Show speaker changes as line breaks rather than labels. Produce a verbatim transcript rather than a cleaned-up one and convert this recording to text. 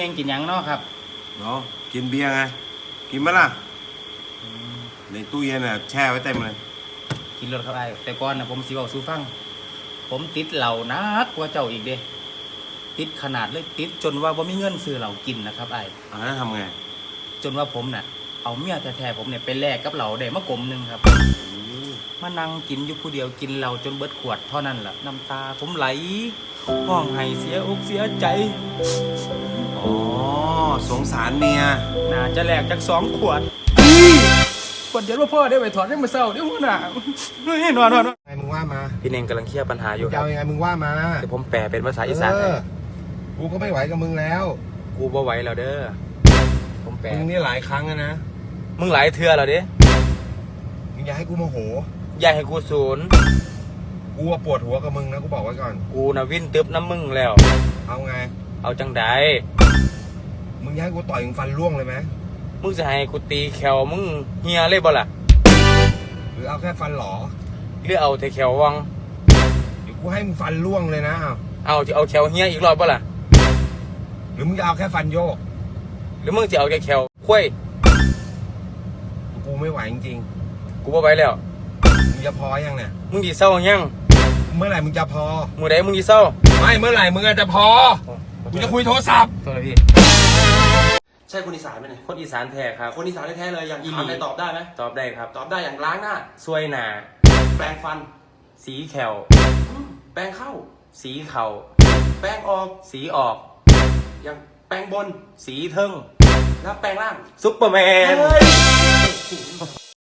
งกินยังเนาะครับ
เนาะกินเบียร์ไงกินไหมล่ะในตู้เย็นน่ะแช่ไว้เต็มเลย
กินรถครับไอ้แต่ก่อนนะผมสิบอกสู้ฟังผมติดเหล้านักกว่าเจ้าอีกเด้ติดขนาดเลยติดจนว่าบ่มีเงินซื้อเหล้ากินนะครับไอ้
อ่าแล้วทำไง
จนว่าผมน่ะเอาเมียแท้ๆผมเนี่ยไปแลกกับเหล้าได้มากลมหนึ่งครับมานั่งกินอยู่ผู้เดียวกินเหล้าจนเบิดขวดเท่านั้นแหละน้ำตาผมไหลห้องไห้เสียอกเสียใจ
อ๋อสงสารเมีย
น่าจะแลกจากสองขวดขวดเดียวว่าพ่อได้ไปถอดได้มาเศร้าได้หัวหน้าเฮ้ยนอนนอน
ไงมึงว่ามา
พี่เน่งกำลังเคลียร์ปัญหาอยู่ครับ
จะยังไงมึงว่ามา
เดี๋ยวผมแปลเป็นภาษาอีสานให้
กูก็ไม่ไหวกับมึงแล้ว
กูบ่ไหวแล้วเด้อผมแปล
มึงนี่หลายครั้งนะ
มึงหลายเทื่อแล้วเด้
มึงอย่าให้กูโมโห
อย่าให้กูศูนย์
กูปวดหัวกับมึงนะกูบอกไว้ก่อน
กูน่ะวิ่นตึ๊บน้ำมึงแล้ว
เอาไง
เอาจังใด
มึงอยากให้กูต่อยมึงฟันร่วงเลยไหม
มึงจะให้กูตีแขวมึงเฮียเลยบ่ล่ะ
หรือเอาแค่ฟันหลอ
หรือเอาแต่แขววัง
เดี๋ยวกูให้มึงฟันร่วงเลยนะ
เอาจะเอาแขวเฮียอีกรอบบ่ล่ะ
หรือมึงจะเอาแค่ฟันโยก
หรือมึงจะเอาแค่แขวคุ้ย
กูไม่ไหวจริง
ๆกูบ่ไหวแล้ว
มึงจะพอยังเนี่ย
มึงสิเศร้ายัง
เมื่อไหร่มึงจะพอ
มื้อใดมึงสิเศร้า
ไม่เมื่อไหร่มึงจะพอกูจะคุยโทรศัพท์
โทษพี่
ใช่คนอีสานไหมเนี่ย
คนอีสานแท้ครับ
คนอีสานแท้ๆเลยอย่างถามได้ตอบได้ไหม
ตอบได้ครับ
ตอบได้อย่างล้างหน้า
ซวยหน้า
แปรงฟัน
สีแขว
แปรงเข้า
สีเข่า
แปรงออก
สีออก
อย่างแปรงบน
สีเทิง
แล้วแปรงล่าง
ซุปเปอร์แมน